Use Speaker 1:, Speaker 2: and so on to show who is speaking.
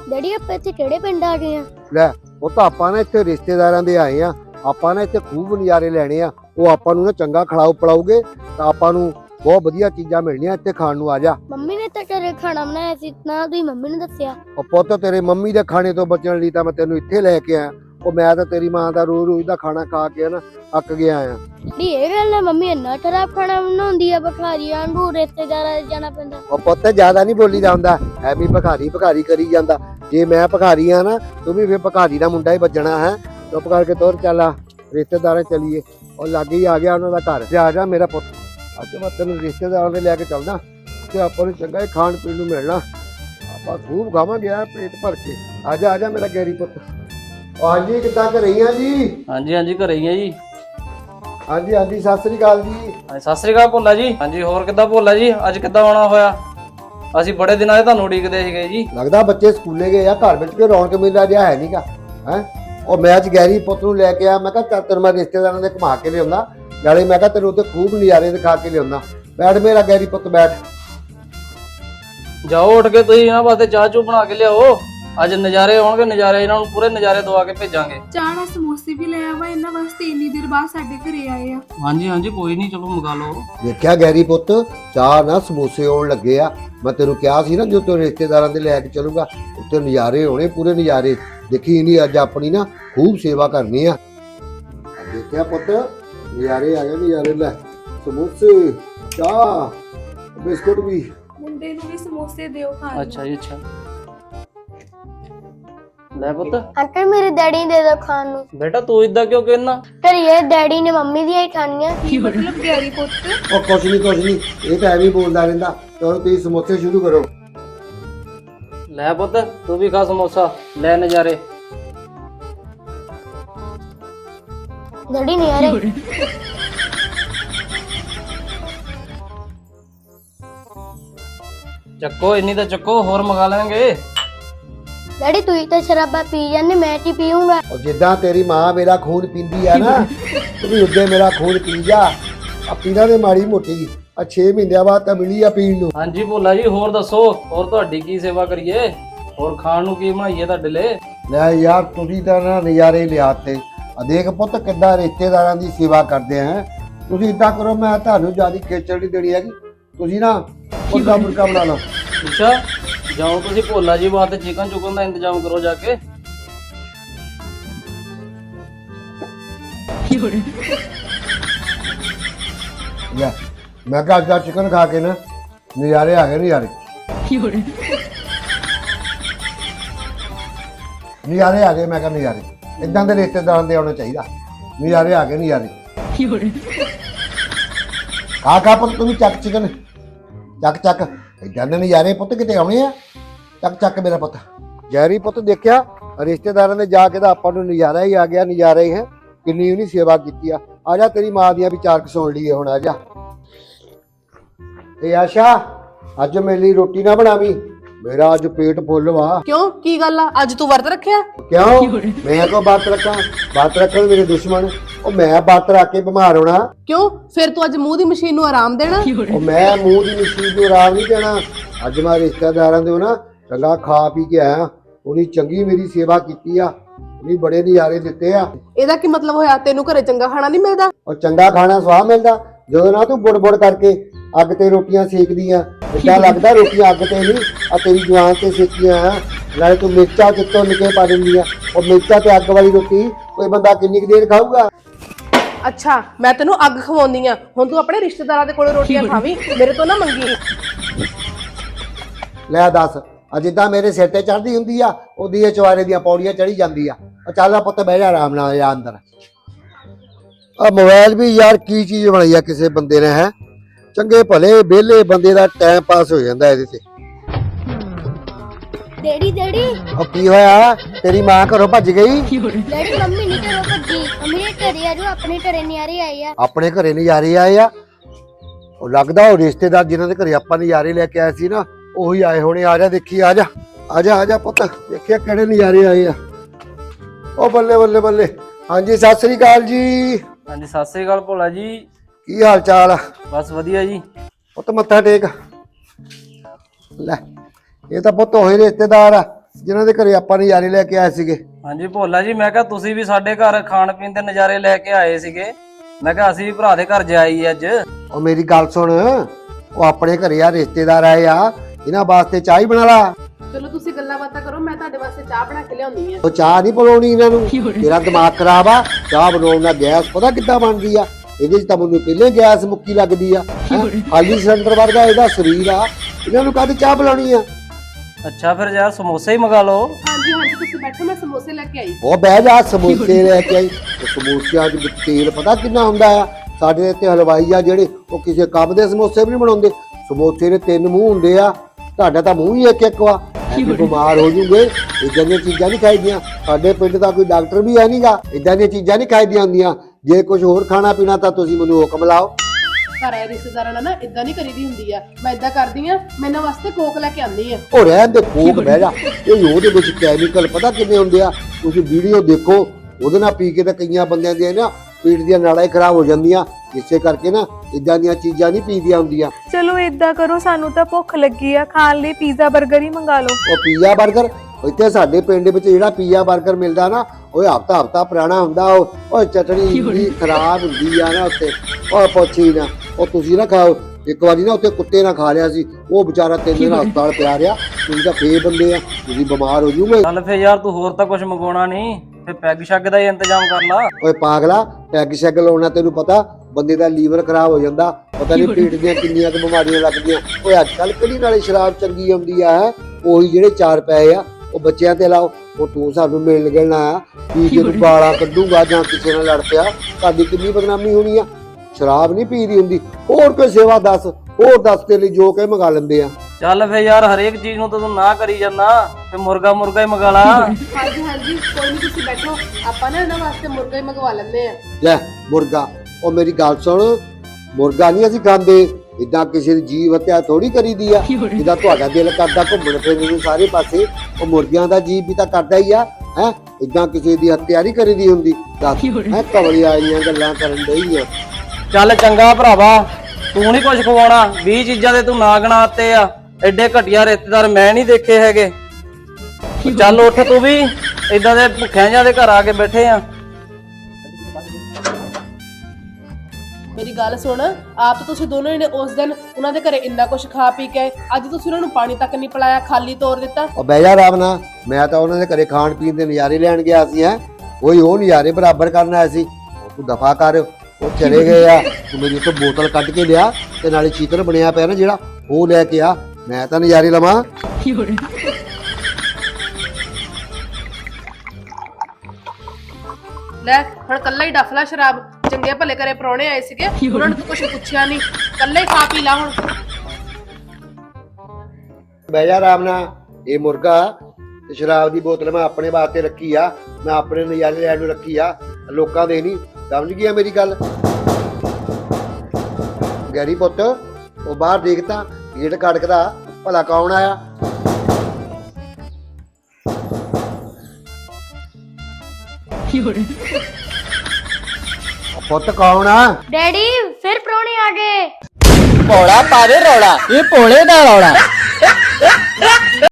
Speaker 1: Daddy ਆਪਾਂ ਇੱਥੇ ਕਿਹੜੇ ਪਿੰਡ ਆ ਗਏ ਆ?
Speaker 2: ਲੈ ਉਹ ਤਾਂ ਆਪਾਂ ਨਾ ਇੱਥੇ ਰਿਸ਼ਤੇਦਾਰਾਂ ਦੇ ਆਏ ਆ। ਆਪਾਂ ਨਾ ਇੱਥੇ ਖੂਬ ਨਜ਼ਾਰੇ ਲੈਣੇ ਆ। ਉਹ ਆਪਾਂ ਨੂੰ ਨਾ ਚੰਗਾ ਖਿਲਾਓ ਪਿਲਾਓਗੇ ਤਾਂ ਆਪਾਂ ਨੂੰ ਬਹੁਤ ਵਧੀਆ ਚੀਜ਼ਾਂ ਮਿਲਣੀਆਂ ਇੱਥੇ ਖਾਣ ਨੂੰ। ਆ ਜਾ।
Speaker 1: ਮੰਮੀ ਨੇ ਤਾਂ ਘਰੇ ਖਾਣਾ ਬਣਾਇਆ ਸੀ ਨਾ, ਤੁਸੀਂ ਮੰਮੀ ਨੂੰ ਦੱਸਿਆ?
Speaker 2: ਉਹ ਪੁੱਤ ਤੇਰੇ ਮੰਮੀ ਦੇ ਖਾਣੇ ਤੋਂ ਬਚਣ ਲਈ ਤਾਂ ਮੈਂ ਤੈਨੂੰ ਇੱਥੇ ਲੈ ਕੇ ਆਇਆ। ਉਹ ਮੈਂ ਤਾਂ ਤੇਰੀ ਮਾਂ ਦਾ ਰੋਜ਼ ਦਾ ਖਾਣਾ ਖਾ ਕੇ ਨਾ ਅੱਕ ਗਿਆ ਆ।
Speaker 1: ਡੈਡੀ ਇਹ ਗੱਲ ਹੈ, ਮੰਮੀ ਇੰਨਾ ਖਰਾਬ ਖਾਣਾ ਬਣਾਉਂਦੀ ਆ, ਭਿਖਾਰੀਆਂ ਨੂੰ ਰਿਸ਼ਤੇਦਾਰਾਂ ਦੇ ਜਾਣਾ ਪੈਂਦਾ।
Speaker 2: ਉਹ ਪੁੱਤ ਜ਼ਿਆਦਾ ਨਹੀਂ ਬੋਲੀਦਾ ਹੁੰਦਾ, ਐਵੇਂ ਭਿਖਾਰੀ ਕਰੀ ਜਾਂਦਾ। ਜੇ ਮੈਂ ਭਿਖਾਰੀ ਆ ਨਾ ਤੂੰ ਵੀ ਫਿਰ ਭਿਖਾਰੀ ਦਾ ਮੁੰਡਾ ਹੀ ਵੱਜਣਾ ਹੈ। ਚੁੱਪ ਕਰਕੇ ਤੁਰ ਚੱਲ, ਰਿਸ਼ਤੇਦਾਰਾਂ ਚਲੀਏ। ਉਹ ਲਾਗੇ ਹੀ ਆ ਗਿਆ ਉਹਨਾਂ ਦਾ ਘਰ। ਤੇ ਆ ਜਾ ਮੇਰਾ ਪੁੱਤ, ਅੱਜ ਮੈਂ ਤੈਨੂੰ ਰਿਸ਼ਤੇਦਾਰਾਂ ਦੇ ਲੈ ਕੇ ਚੱਲਦਾ ਤੇ ਆਪਾਂ ਨੂੰ ਚੰਗਾ ਖਾਣ ਪੀਣ ਨੂੰ ਮਿਲਣਾ। ਆਪਾਂ ਖੂਬ ਖਾਵਾਂਗੇ ਪੇਟ ਭਰ ਕੇ। ਆ ਜਾ ਮੇਰਾ ਗੈਰੀ ਪੁੱਤ। ਹਾਂਜੀ ਕਿੱਦਾਂ ਘਰੇ ਹੀ ਆ ਜੀ?
Speaker 3: ਹਾਂਜੀ ਘਰੇ ਹੀ ਆ ਜੀ।
Speaker 2: ਹਾਂਜੀ ਸਤਿ ਸ੍ਰੀ ਅਕਾਲ ਜੀ।
Speaker 3: ਸਤਿ ਸ੍ਰੀ ਅਕਾਲ ਭੋਲਾ ਜੀ। ਹਾਂਜੀ ਹੋਰ ਕਿੱਦਾਂ ਭੋਲਾ ਜੀ, ਅੱਜ ਕਿੱਦਾਂ ਆਉਣਾ ਹੋਇਆ? ਅਸੀਂ ਬੜੇ ਦਿਨਾਂ ਦੇ ਤੁਹਾਨੂੰ ਉਡੀਕਦੇ ਸੀਗੇ ਜੀ।
Speaker 2: ਲੱਗਦਾ ਬੱਚੇ ਸਕੂਲੇ ਗਏ ਆ, ਘਰ ਵਿੱਚ ਕੋਈ ਰੌਣਕ ਮੇਲਾ ਜਿਹਾ ਹੈ ਨਹੀਂਗਾ। ਹੈ ਉਹ ਮੈਂ ਅੱਜ ਗੈਰੀ ਪੁੱਤ ਨੂੰ ਲੈ ਕੇ ਆ। ਮੈਂ ਕਿਹਾ ਚੱਲ ਤੈਨੂੰ ਮੈਂ ਰਿਸ਼ਤੇਦਾਰਾਂ ਦੇ ਘੁਮਾ ਕੇ ਲਿਆਉਂਦਾ, ਨਾਲੇ ਮੈਂ ਕਿਹਾ ਤੈਨੂੰ ਉੱਥੇ ਖੂਬ ਨਜ਼ਾਰੇ ਦਿਖਾ ਕੇ ਲਿਆਉਂਦਾ। ਬੈਠ ਮੇਰਾ ਗੈਰੀ ਪੁੱਤ ਬੈਠ।
Speaker 3: ਜਾਓ ਉੱਠ ਕੇ ਤੁਸੀਂ ਇਹਨਾਂ ਵਾਸਤੇ ਚਾਹ ਚੂ ਬਣਾ ਕੇ ਲਿਆਓ। ਅੱਜ ਨਜ਼ਾਰੇ ਆਉਣਗੇ, ਨਜ਼ਾਰੇ ਇਹਨਾਂ ਨੂੰ ਪੂਰੇ ਨਜ਼ਾਰੇ ਦਵਾ ਕੇ ਭੇਜਾਂਗੇ।
Speaker 4: ਚਾਹ ਨਾਲ ਸਮੋਸੇ ਵੀ ਲੈ ਆਵਾ ਇਹਨਾਂ ਵਾਸਤੇ, ਇੰਨੀ ਦੇਰ ਬਾਅਦ ਸਾਡੇ ਘਰੇ ਆਏ ਆ।
Speaker 3: ਹਾਂਜੀ ਕੋਈ ਨਹੀਂ, ਚਲੋ ਮੰਗਾ ਲਓ।
Speaker 2: ਦੇਖਿਆ ਗੈਰੀ ਪੁੱਤ, ਚਾਹ ਨਾ ਸਮੋਸੇ ਆਉਣ ਲੱਗੇ ਆ। ਮੈਂ ਤੈਨੂੰ ਕਿਹਾ ਸੀ ਨਾ ਜੋ ਤੂੰ ਰਿਸ਼ਤੇਦਾਰਾਂ ਦੇ ਲੈ ਕੇ ਚੱਲੂਗਾ ਉੱਥੇ ਨਜ਼ਾਰੇ ਹੋਣੇ, ਪੂਰੇ ਨਜ਼ਾਰੇ। ਦੇਖੀ ਨਹੀਂ ਅੱਜ ਆਪਣੀ ਨਾ ਖੂਬ ਸੇਵਾ ਕਰਨੀ ਆ। ਦੇਖਿਆ ਪੁੱਤ, ਨਜ਼ਾਰੇ ਆ ਗਏ, ਨਜ਼ਾਰੇ। ਲੈ ਸਮੋਸੇ, ਚਾਹ, ਬਿਸਕੁਟ ਵੀ।
Speaker 4: ਮੁੰਡੇ ਨੂੰ ਵੀ ਸਮੋਸੇ ਦਿਓ ਖਾਣ ਨੂੰ।
Speaker 3: ਅੱਛਾ ਜੀ ਅੱਛਾ। ਲੈ ਪੁੱਤ।
Speaker 1: ਅੰਕਲ ਮੇਰੇ ਡੈਡੀ ਦੇ ਦੋ ਖਾਣ ਨੂੰ।
Speaker 3: ਬੇਟਾ ਤੂੰ ਇਦਾਂ ਕਿਉਂ ਕਹਿਣਾ?
Speaker 1: ਘਰੇ ਡੈਡੀ ਨੇ ਮੰਮੀ ਦੀਆਂ ਹੀ ਖਾਣੀਆਂ।
Speaker 4: ਕੀ ਮਤਲਬ ਪਿਆਰੀ ਪੁੱਤ?
Speaker 2: ਉਹ ਕੁਛ ਨਹੀਂ, ਇਹ ਤਾਂ ਐਵੇਂ ਬੋਲਦਾ ਰਹਿੰਦਾ। ਚਲੋ ਤੁਸੀਂ ਸਮੋਸੇ ਸ਼ੁਰੂ ਕਰੋ।
Speaker 3: ਲੈ ਪੁੱਤ ਤੂੰ ਵੀ ਖਾ ਸਮੋਸਾ, ਲੈ ਨਜ਼ਾਰੇ।
Speaker 1: ਡੈਡੀ ਨਹੀਂ ਆ ਰਹੇ।
Speaker 3: ਚੱਕੋ ਇੰਨੀ ਤਾਂ ਚੱਕੋ, ਹੋਰ ਮੰਗਾ ਲਾਂਗੇ।
Speaker 1: ਡੈਡੀ ਤੂੰ ਤਾਂ ਸ਼ਰਾਬਾ ਪੀ ਜਾਂਦੇ, ਮੈਂ ਕੀ ਪੀਊਂਗਾ?
Speaker 2: ਉਹ ਜਿੱਦਾਂ ਤੇਰੀ ਮਾਂ ਮੇਰਾ ਖੂਨ ਪੀਂਦੀ ਆ ਨਾ, ਤੂੰ ਵੀ ਉੱਦੇ ਮੇਰਾ ਖੂਨ ਪੀ ਜਾ। ਆ ਪੀਣਾ ਦੇ ਮਾੜੀ ਮੋਟੀ ਆ 6 ਮਹੀਨਿਆਂ ਬਾਅਦ ਤਾਂ ਮਿਲੀ ਆ ਪੀਣ ਨੂੰ।
Speaker 3: ਹਾਂਜੀ ਭੋਲਾ ਜੀ ਹੋਰ ਦੱਸੋ, ਹੋਰ ਤੁਹਾਡੀ ਕੀ ਸੇਵਾ ਕਰੀਏ? ਹੋਰ ਖਾਣ ਨੂੰ ਕੀ ਬਣਾਈਏ ਤੁਹਾਡੇ ਲਈ?
Speaker 2: ਲੈ ਯਾਰ ਤੁਸੀਂ ਤਾਂ ਨਾ ਨਜ਼ਾਰੇ ਲਿਆਤੇ। ਆ ਦੇਖ ਪੁੱਤ ਕਿੱਦਾਂ ਰਿਸ਼ਤੇਦਾਰਾਂ ਦੀ ਸੇਵਾ ਕਰਦੇ ਆ। ਤੁਸੀਂ ਇਦਾਂ ਕਰੋ, ਮੈਂ ਤੁਹਾਨੂੰ ਜਿਆਦਾ ਖੇਚਲ ਨਹੀਂ ਦੇਣੀ ਹੈਗੀ। ਤੁਸੀਂ ਨਾ ਮੁਰਗਾ ਬਣਾ ਲਓ।
Speaker 3: ਅੱਛਾ ਜਾਓ ਤੁਸੀਂ ਭੋਲਾ ਜੀ ਵਾਸਤੇ ਚਿਕਨ ਚੁਕਨ ਦਾ ਇੰਤਜ਼ਾਮ ਕਰੋ ਜਾ ਕੇ।
Speaker 2: ਲੈ ਮੈਂ ਕਿਹਾ ਅੱਜ ਚਿਕਨ ਖਾ ਕੇ ਨਾ ਨਜ਼ਾਰੇ ਆ ਗਏ, ਨਜ਼ਾਰੇ ਆ ਗਏ। ਮੈਂ ਕਿਹਾ ਨਜ਼ਾਰੇ ਇਦਾਂ ਦੇ ਰਿਸ਼ਤੇਦਾਰਾਂ ਦੇ ਆਉਣੇ ਚਾਹੀਦਾ। ਨਜ਼ਾਰੇ ਆ ਗਏ, ਨਜ਼ਾਰੇ। ਖਾ ਪੁੱਤ ਤੂੰ ਵੀ ਚੱਕ ਚਿਕਨ, ਚੱਕ ਇਦਾਂ ਦੇ ਨਜ਼ਾਰੇ ਪੁੱਤ ਕਿਤੇ ਆਉਣੇ ਆ। ਚੱਕ ਮੇਰਾ ਪੁੱਤ। ਗੈਰੀ ਪੁੱਤ ਦੇਖਿਆ ਰਿਸ਼ਤੇਦਾਰਾਂ ਦੇ ਜਾ ਕੇ ਤਾਂ ਆਪਾਂ ਨੂੰ ਨਜ਼ਾਰਾ ਹੀ ਆ ਗਿਆ, ਨਜ਼ਾਰਾ ਹੀ ਹੈ। ਕਿੰਨੀ ਉਹਨੇ ਸੇਵਾ ਕੀਤੀ ਆ ਜਾ ਤੇਰੀ ਮਾਂ ਦੀਆਂ ਵੀ ਚਾਰ ਸੁਣ ਲਈਏ ਹੁਣ। ਆ ਜਾ। ਇਹ ਆਸ਼ਾ ਅੱਜ ਮੇਰੇ ਲਈ ਰੋਟੀ ਨਾ ਬਣਾਵੀਂ, ਮੇਰਾ ਅੱਜ ਪੇਟ ਫੁੱਲ ਵਾ।
Speaker 5: ਕਿਉਂ ਕੀ ਗੱਲ ਆ, ਅੱਜ ਤੂੰ ਵਰਤ ਰੱਖਿਆ?
Speaker 2: ਕਿਉਂ ਮੈਂ ਕੋ ਬਾਤ ਰੱਖਾਂ? ਬਾਤ ਰੱਖਣ ਮੇਰੇ ਦੁਸ਼ਮਣ। ਉਹ ਮੈਂ ਬਾਤ ਰੱਖ ਕੇ ਬਿਮਾਰ ਹੋਣਾ?
Speaker 5: ਕਿਉਂ ਫਿਰ ਤੂੰ ਅੱਜ ਮੂੰਹ ਦੀ ਮਸ਼ੀਨ ਨੂੰ ਆਰਾਮ ਦੇਣਾ?
Speaker 2: ਉਹ ਮੈਂ ਮੂੰਹ ਦੀ ਮਸ਼ੀਨ ਨੂੰ ਆਰਾਮ ਨਹੀਂ ਦੇਣਾ। ਅੱਜ ਮੈਂ ਰਿਸ਼ਤੇਦਾਰਾਂ ਦੇ ਨਾ ਚੰਗਾ ਖਾ ਪੀ ਕੇ ਆਇਆ। ਉਹਨੇ ਚੰਗੀ ਮੇਰੀ ਸੇਵਾ ਕੀਤੀ ਆ, ਉਹਨੇ ਬੜੇ ਨਜ਼ਾਰੇ ਦਿੱਤੇ ਆ।
Speaker 5: ਇਹਦਾ ਕੀ ਮਤਲਬ ਹੋਇਆ, ਤੈਨੂੰ ਘਰੇ ਚੰਗਾ ਖਾਣਾ ਨਹੀਂ ਮਿਲਦਾ?
Speaker 2: ਉਹ ਚੰਗਾ ਖਾਣਾ ਸਵਾਹ ਮਿਲਦਾ ਜਦੋਂ ਨਾ ਤੂੰ ਬੁੜ ਕਰਕੇ ਅੱਗ ਤੇ ਰੋਟੀਆਂ ਸੇਕਦੀ ਆ। ਏਦਾਂ ਲੱਗਦਾ ਰੋਟੀਆਂ ਅੱਗ ਤੇ ਨਹੀਂ ਆ ਤੇਰੀ ਜਵਾਨ ਤੇ ਸੇਕੀਆਂ ਆ। ਨਾਲੇ ਤੂੰ ਮਿਰਚਾਂ ਕਿੱਥੋਂ ਨਿਕੇ ਪਾ ਦਿੰਦੀ ਆ। ਉਹ ਮਿਰਚਾਂ ਤੇ ਅੱਗ ਵਾਲੀ ਰੋਟੀ ਕੋਈ ਬੰਦਾ ਕਿੰਨੀ ਕੁ ਦੇਰ ਖਾਊਗਾ?
Speaker 5: ਅੱਛਾ ਮੈਂ ਤੈਨੂੰ ਅੱਗ ਖਵਾਉਂਦੀ ਆ, ਹੁਣ ਤੂੰ ਆਪਣੇ ਰਿਸ਼ਤੇਦਾਰਾਂ ਦੇ ਕੋਲੋਂ ਰੋਟੀਆਂ ਖਾਵੀਂ, ਮੇਰੇ ਤੋਂ ਨਾ ਮੰਗੀ।
Speaker 2: ਲੈ ਦੱਸ, ਜਿੱਦਾਂ ਮੇਰੇ ਸਿਰ ਤੇ ਚੜ੍ਹਦੀ ਹੁੰਦੀ ਆ ਉਹਦੀ ਇਹ ਚਵਾਰੇ ਦੀਆਂ ਪੌੜੀਆਂ ਚੜੀ ਜਾਂਦੀ ਆ। ਚੱਲ ਆ ਪੁੱਤ ਬਹਿ ਜਾ ਆਰਾਮ ਨਾਲ ਜਾ ਅੰਦਰ। ਆ ਮੋਬਾਈਲ ਵੀ ਯਾਰ ਕੀ ਚੀਜ਼ ਬਣਾਈ ਆ ਕਿਸੇ ਬੰਦੇ ਨੇ। ਹੈ ਚੰਗੇ ਭਲੇ ਵਿਹਲੇ ਬੰਦੇ ਦਾ ਟਾਈਮ ਪਾਸ ਹੋ ਜਾਂਦਾ ਇਹਦੇ ਤੇ।
Speaker 1: ਡੈਡੀ
Speaker 2: ਉਹ ਕੀ ਹੋਇਆ, ਤੇਰੀ ਮਾਂ ਘਰੋਂ ਭੱਜ ਗਈ?
Speaker 1: ਡੈਡੀ ਮੰਮੀ ਨਹੀਂ ਘਰੋਂ ਭੱਜੀ, ਮੰਮੀ ਨੇ ਘਰੇ ਆ ਜੋ ਆਪਣੇ ਘਰੇ ਨਿਆਰੇ ਆਏ ਆ।
Speaker 2: ਆਪਣੇ ਘਰੇ ਨਜ਼ਾਰੇ ਆਏ ਆ? ਉਹ ਲੱਗਦਾ ਉਹ ਰਿਸ਼ਤੇਦਾਰ ਜਿਨ੍ਹਾਂ ਦੇ ਘਰੇ ਆਪਾਂ ਨਜ਼ਾਰੇ ਲੈ ਕੇ ਆਏ ਸੀ ਨਾ ਉਹੀ ਆਏ ਹੋਣੇ। ਆ ਜਾ ਦੇਖੀ, ਆ ਜਾ ਪੁੱਤ, ਦੇਖਿਆ ਕਿਹੜੇ ਨਜ਼ਾਰੇ ਆਏ ਆ। ਉਹ ਬੱਲੇ। ਹਾਂਜੀ ਸਤਿ ਸ੍ਰੀ ਅਕਾਲ ਜੀ।
Speaker 3: ਹਾਂਜੀ ਸਤਿ ਸ੍ਰੀ ਅਕਾਲ ਭੋਲਾ ਜੀ।
Speaker 2: ਕੀ ਹਾਲ ਚਾਲ ਆ?
Speaker 3: ਬਸ ਵਧੀਆ ਜੀ।
Speaker 2: ਪੁੱਤ ਮੱਥਾ ਟੇਕ। ਲੈ ਇਹ ਤਾਂ ਪੁੱਤ ਹੋਏ ਰਿਸ਼ਤੇਦਾਰ ਆ ਜਿਨ੍ਹਾਂ ਦੇ ਘਰੇ ਆਪਾਂ ਨਜ਼ਾਰੇ ਲੈ ਕੇ ਆਏ ਸੀਗੇ।
Speaker 3: ਹਾਂਜੀ ਭੋਲਾ ਜੀ, ਮੈਂ ਕਿਹਾ ਤੁਸੀਂ ਵੀ ਸਾਡੇ ਘਰ ਖਾਣ ਪੀਣ ਦੇ ਨਜ਼ਾਰੇ ਲੈ ਕੇ ਆਏ ਸੀਗੇ। ਮੈਂ ਕਿਹਾ ਅਸੀਂ ਵੀ ਭਰਾ ਦੇ ਘਰ ਜਾਈ ਅੱਜ।
Speaker 2: ਉਹ ਮੇਰੀ ਗੱਲ ਸੁਣ, ਉਹ ਆਪਣੇ ਘਰੇ ਆ ਰਿਸ਼ਤੇਦਾਰ ਆਏ ਆ, ਇਹਨਾਂ ਵਾਸਤੇ ਚਾਹ ਹੀ ਬਣਾ ਲਾ।
Speaker 5: ਚਲੋ ਤੁਸੀਂ ਗੱਲਾਂ ਬਾਤਾਂ ਕਰੋ, ਮੈਂ ਤੁਹਾਡੇ ਵਾਸਤੇ ਚਾਹ ਬਣਾ ਕੇ ਲਿਆਉਂਦੀ ਆ।
Speaker 2: ਉਹ ਚਾਹ ਨਹੀਂ ਬਣਾਉਣੀ ਇਹਨਾਂ ਨੂੰ, ਤੇਰਾ ਦਿਮਾਗ ਖਰਾਬ ਆ। ਚਾਹ ਬਣਾਉਣ ਦਾ ਗੈਸ ਪਤਾ ਕਿੱਦਾਂ ਬਣਦੀ ਆ? ਇਹਦੇ 'ਚ ਤਾਂ ਮੈਨੂੰ ਪਹਿਲੇ ਗੈਸ ਮੁੱਕੀ ਲੱਗਦੀ ਆ। ਖਾਲੀ ਸਿਲੰਡਰ ਵਰਗਾ ਇਹਦਾ ਸਰੀਰ ਆ, ਇਹਨਾਂ ਨੂੰ ਕਾਹਦੀ ਚਾਹ ਬਣਾਉਣੀ ਆ?
Speaker 3: ਅੱਛਾ ਫਿਰ ਯਾਰ ਸਮੋਸੇ ਹੀ ਮੰਗਾ ਲਓ।
Speaker 5: ਹਾਂਜੀ ਹਾਂਜੀ ਤੁਸੀਂ ਬੈਠੋ, ਮੈਂ ਸਮੋਸੇ ਲੈ ਕੇ ਆਈ।
Speaker 2: ਉਹ ਬਹਿ ਜਾ, ਸਮੋਸੇ ਲੈ ਕੇ ਆਈ। ਉਹ ਸਮੋਸਿਆਂ 'ਚ ਵਿੱਚ ਤੇਲ ਪਤਾ ਕਿੰਨਾ ਹੁੰਦਾ ਆ? ਸਾਡੇ ਇੱਥੇ ਹਲਵਾਈ ਆ ਜਿਹੜੇ, ਉਹ ਕਿਸੇ ਕੰਮ ਦੇ ਸਮੋਸੇ ਵੀ ਨਹੀਂ ਬਣਾਉਂਦੇ। ਸਮੋਸੇ ਦੇ 3 ਮੂੰਹ ਹੁੰਦੇ ਆ, ਤੁਹਾਡਾ ਤਾਂ ਮੂੰਹ ਹੀ ਇੱਕ ਵਾ। ਐਵੇਂ ਬਿਮਾਰ ਹੋ ਜੂਗੇ। ਇਦਾਂ ਦੀਆਂ ਚੀਜ਼ਾਂ ਨਹੀਂ ਖਾਈਦੀਆਂ। ਸਾਡੇ ਪਿੰਡ ਦਾ ਕੋਈ ਡਾਕਟਰ ਵੀ ਹੈ ਨਹੀਂਗਾ। ਇਦਾਂ ਦੀਆਂ ਚੀਜ਼ਾਂ ਨਹੀਂ ਖਾਈਦੀਆਂ ਹੁੰਦੀਆਂ। ਜੇ ਕੁਝ ਹੋਰ ਖਾਣਾ ਪੀਣਾ ਤਾਂ ਤੁਸੀਂ ਮੈਨੂੰ ਹੁਕਮ ਲਾਓ।
Speaker 5: ਘਰ ਆਏ ਰਿਸ਼ਤੇਦਾਰਾਂ ਨਾਲ ਨਾ ਇਦਾਂ ਨਹੀਂ ਕਰੀਦੀ ਹੁੰਦੀ ਆ। ਮੈਂ ਇਦਾਂ ਕਰਦੀ ਆ, ਮੈਂ ਇਹਨਾਂ ਵਾਸਤੇ ਕੋਕ ਲੈ ਕੇ ਆਂਦੀ ਆ।
Speaker 2: ਉਹ ਰਹਿਣ ਦੇ, ਕੋਕ ਬਹਿ ਜਾ। ਇਹ ਉਹਦੇ ਵਿੱਚ ਕੈਮੀਕਲ ਪਤਾ ਕਿੰਨੇ ਹੁੰਦੇ ਆ? ਤੁਸੀਂ ਵੀਡੀਓ ਦੇਖੋ, ਉਹਦੇ ਨਾਲ ਪੀ ਕੇ ਤਾਂ ਕਈਆਂ ਬੰਦਿਆਂ ਦੀਆਂ ਨਾ ਪੇਟ ਦੀਆਂ ਨਾੜਾਂ ਹੀ ਖਰਾਬ ਹੋ ਜਾਂਦੀਆਂ। ਇਸੇ ਕਰਕੇ ਨਾ ਇਦਾਂ ਦੀਆਂ ਚੀਜ਼ਾਂ ਨਹੀਂ ਪੀਦੀਆਂ ਹੁੰਦੀਆਂ।
Speaker 4: ਚਲੋ ਏਦਾਂ ਕਰੋ, ਸਾਨੂੰ ਤਾਂ ਭੁੱਖ ਲੱਗੀ ਆ, ਖਾਣ ਲਈ ਪੀਜ਼ਾ 버ਗਰ ਹੀ ਮੰਗਾ ਲਓ।
Speaker 2: ਉਹ ਪੀਜ਼ਾ 버ਗਰ, ਇੱਥੇ ਸਾਡੇ ਪਿੰਡ ਵਿੱਚ ਜਿਹੜਾ ਪੀਜ਼ਾ 버ਗਰ ਮਿਲਦਾ ਨਾ, ਉਹ ਹਫਤਾ ਪੁਰਾਣਾ ਹੁੰਦਾ। ਉਹ ਚਟਣੀ ਵੀ ਖਰਾਬ ਹੁੰਦੀ ਆ ਨਾ ਉੱਤੇ। ਉਹ ਪੁੱਛੀ ਨਾ, ਉਹ ਤੁਸੀਂ ਨਾ ਖਾਓ। ਇੱਕ ਵਾਰੀ ਨਾ ਉੱਥੇ ਕੁੱਤੇ ਨਾਲ ਖਾ ਲਿਆ ਸੀ, ਉਹ ਵਿਚਾਰਾ 3 ਦਿਨ ਹਸਪਤਾਲ ਪਿਆ ਰਿਹਾ। ਤੁਸੀਂ ਤਾਂ ਫੇਰ ਬੰਦੇ ਆ, ਤੁਸੀਂ ਬਿਮਾਰ ਹੋ ਜੂਗੇ।
Speaker 3: ਚੱਲ ਫੇਰ ਯਾਰ ਤੂੰ ਹੋਰ ਤਾਂ ਕੁਝ ਮੰਗਵਾਉਣਾ ਨਹੀਂ, ਫੇਰ ਪੈਗ ਸ਼ੱਗ ਦਾ ਹੀ ਇੰਤਜ਼ਾਮ ਕਰ ਲਾ।
Speaker 2: ਓਏ ਪਾਗਲਾ, ਪੈਗ ਸ਼ੈਗ ਲਾਉਣਾ ਤੈਨੂੰ ਪਤਾ ਬੰਦੇ ਦਾ ਲੀਵਰ ਖਰਾਬ ਹੋ ਜਾਂਦਾ। ਪਤਾ ਨਹੀਂ ਪੇਟ ਦੀਆਂ ਕਿੰਨੀਆਂ ਕੁ ਬਿਮਾਰੀਆਂ ਲੱਗਦੀਆਂ। ਓਏ ਅੱਜ ਕੱਲ ਕਿਹੜੀ ਨਾਲੇ ਸ਼ਰਾਬ ਚੰਗੀ ਆਉਂਦੀ ਆ ਹੈ? ਉਹੀ ਜਿਹੜੇ 4 ਪੈਸੇ ਆ ਉਹ ਬੱਚਿਆਂ ਤੇ ਲਾਓ। ਉਹ ਤੂੰ ਸਾਨੂੰ ਮਿਲਣ ਗਿਲਣਾ ਆ, ਪੀ ਕੇ ਤੂੰ ਗਾਲਾਂ ਕੱਢੂਗਾ ਜਾਂ ਕਿਸੇ ਨਾਲ ਲੜ ਪਿਆ, ਤੁਹਾਡੀ ਕਿੰਨੀ ਬਦਨਾਮੀ ਹੋਣੀ ਆ। ਸ਼ਰਾਬ ਨਹੀਂ ਪੀਦੀ ਹੁੰਦੀ। ਹੋਰ ਕੋਈ ਸੇਵਾ ਦੱਸ, ਹੋਰ ਦੱਸ ਤੇ ਲਈ ਜੋ ਕੇ ਮੰਗਾ ਲੈਂਦੇ ਆ।
Speaker 3: ਚੱਲ ਫੇਰ ਯਾਰ ਹਰੇਕ ਚੀਜ਼ ਨੂੰ ਤਾਂ ਤੂੰ ਨਾ ਕਰੀ ਜਾਂਦਾ, ਫੇ ਮੁਰਗਾ ਹੀ ਮੰਗਾ ਲਾ।
Speaker 5: ਹਾਂਜੀ ਹਾਂਜੀ ਕੋਈ ਨਹੀਂ ਤੁਸੀਂ ਬੈਠੋ, ਆਪਾਂ ਨਾ ਇਹਨਾਂ ਵਾਸਤੇ ਮੁਰਗਾ ਹੀ ਮੰਗਵਾ ਲੈਂਦੇ ਆ।
Speaker 2: ਲੈ ਮੁਰਗਾ, ਉਹ ਮੇਰੀ ਗੱਲ ਸੁਣ, ਮੁਰਗਾ ਨਹੀਂ ਅਸੀਂ ਖਾਂਦੇ। ਇਦਾਂ ਕਿਸੇ ਦੀ ਜੀਵ ਹੱਤਿਆ ਥੋੜੀ ਕਰੀਦੀ ਆ। ਜਿੱਦਾਂ ਤੁਹਾਡਾ ਦਿਲ ਕਰਦਾ ਘੁੰਮਣ ਫਿਰਨ ਨੂੰ ਸਾਰੇ ਪਾਸੇ, ਉਹ ਮੁਰਗਿਆਂ ਦਾ ਜੀਵ ਵੀ ਤਾਂ ਕਰਦਾ ਹੀ ਆ। ਹੈ ਇਦਾਂ ਕਿਸੇ ਦੀ ਹੱਤਿਆ ਨਹੀਂ ਕਰੀਦੀ ਹੁੰਦੀ। ਦੱਸ ਹੈ ਕਮਲੀ ਆਈਆਂ ਗੱਲਾਂ ਕਰਨ ਡਈ ਆ।
Speaker 3: ਚੱਲ ਚੰਗਾ ਭਰਾਵਾ, ਤੂੰ ਨਹੀਂ ਕੁਝ ਖਵਾਉਣਾ। 20 ਚੀਜ਼ਾਂ ਦੇ ਤੂੰ ਨਾ ਗਣਾਤੇ ਆ। ਐਡੇ ਘਟੀਆ ਰਿਸ਼ਤੇਦਾਰ ਮੈਂ ਨਹੀਂ ਦੇਖੇ ਹੈਗੇ। ਚੱਲ ਉੱਠ, ਤੂੰ ਵੀ ਇਦਾਂ ਦੇ ਭੁੱਖਿਆਂ ਜਿਹਾਂ ਦੇ ਘਰ ਆ ਕੇ ਬੈਠੇ ਆ।
Speaker 5: ਮੇਰੀ ਗੱਲ ਸੁਣ, ਆਪ ਤਾਂ ਤੁਸੀਂ ਦੋਨੋਂ ਨੇ ਉਸ ਦਿਨ ਉਹਨਾਂ ਦੇ ਘਰੇ ਇੰਨਾ ਕੁਝ ਖਾ ਪੀ ਕੇ, ਅੱਜ ਤੁਸੀਂ ਉਹਨਾਂ ਨੂੰ ਪਾਣੀ ਤੱਕ ਨਹੀਂ ਪਿਲਾਇਆ, ਖਾਲੀ ਤੋਰ ਦਿੱਤਾ।
Speaker 2: ਉਹ ਬਹਿ ਜਾ ਆਰਾਮ ਨਾਲ। ਮੈਂ ਤਾਂ ਉਹਨਾਂ ਦੇ ਘਰੇ ਖਾਣ ਪੀਣ ਦੇ ਨਜ਼ਾਰੇ ਲੈਣ ਗਿਆ ਸੀ। ਹੈ ਉਹ ਨਜ਼ਾਰੇ ਬਰਾਬਰ ਕਰਨ ਆਇਆ ਸੀ। ਤੂੰ ਦਫਾ ਕਰ, ਉਹ ਚਲੇ ਗਏ ਆ। ਤੂੰ ਮੇਰੀ ਤੋਂ ਬੋਤਲ ਕੱਢ ਕੇ ਲਿਆ ਤੇ ਨਾਲੇ ਚਿਕਨ ਬਣਿਆ ਪਿਆ ਨਾ ਜਿਹੜਾ, ਉਹ ਲੈ ਕੇ ਆ। ਮੈਂ ਤਾਂ ਨਜ਼ਾਰੇ ਲਵਾਂ।
Speaker 5: ਲੈ ਹੁਣ ਕੱਲਾ ਹੀ ਡਫਲਾ ਸ਼ਰਾਬ। ਚੰਗੇ ਭਲੇ ਘਰੇ ਪ੍ਰਾਹੁਣੇ ਆਏ ਸੀਗੇ, ਉਹਨਾਂ ਨੂੰ ਕੁਝ ਪੁੱਛਿਆ ਨਹੀਂ, ਕੱਲਾ ਹੀ ਖਾ ਪੀ ਲਾ। ਹੁਣ
Speaker 2: ਬਹਿ ਜਾ ਆਰਾਮ ਨਾਲ। ਇਹ ਮੁਰਗਾ ਤੇ ਸ਼ਰਾਬ ਦੀ ਬੋਤਲ ਮੈਂ ਆਪਣੇ ਵਾਸਤੇ ਰੱਖੀ ਆ। ਮੈਂ ਆਪਣੇ ਨਜ਼ਾਰੇ ਲੈਣ ਨੂੰ ਰੱਖੀ ਆ, ਲੋਕਾਂ ਦੇ ਨਹੀਂ। ਸਮਝ ਗਿਆ ਮੇਰੀ ਗੱਲ? ਗੈਰੀ ਪੁੱਤ, ਉਹ ਬਾਹਰ ਦੇਖਤਾ ਗੇਟ ਖੜਕਦਾ, ਭਲਾ ਕੌਣ ਆਇਆ? ਪੁੱਤ ਕੌਣ ਆ?
Speaker 1: ਡੈਡੀ ਫਿਰ ਪ੍ਰਾਹੁਣੇ ਆ ਗਏ।
Speaker 6: ਭੋਲਾ ਪਾਵੇ ਰੌਲਾ, ਇਹ ਭੋਲੇ ਦਾ ਰੌਲਾ।